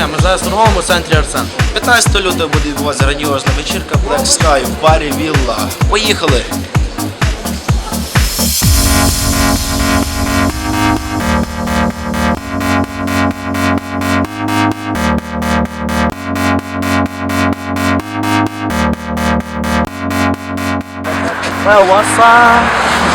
ми зараз в торговому центрі Арсен. 15 лютого буде відбуватися грандіозна вечірка Black Sky в барі Вілла. Поїхали! Well, what's up?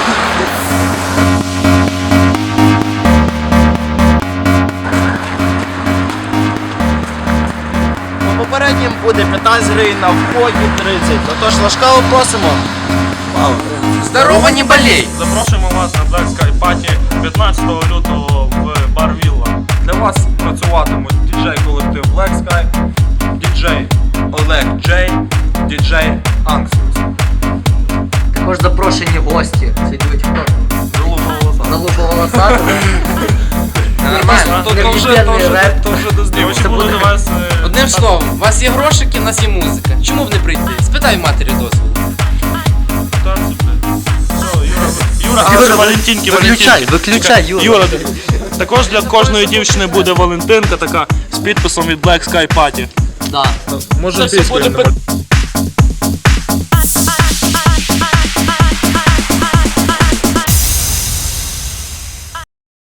По попереднім буде 15 гривень на вході 30. Отож, лашкаво просимо. Здорово, не болей! Запрошуємо вас на Black Sky Party 15 лютого в бар Вілла. Для вас працюватимуть діджей-колектив Black Sky, діджей Олег Джей, діджей Анксус. Також запрошені гості. Це йдуть залупо-волосати. Нормально. То вже доздівочка. Це Буде буде- до вас... Одним словом, у вас є грошики, у нас є музика. Чому б не прийти? Спитай в матері дозволу. Юра, Валентинки, Виключай, Юра. Юра, також для кожної дівчини буде Валентинка така з підписом від Black Sky Party. Да. Це все буде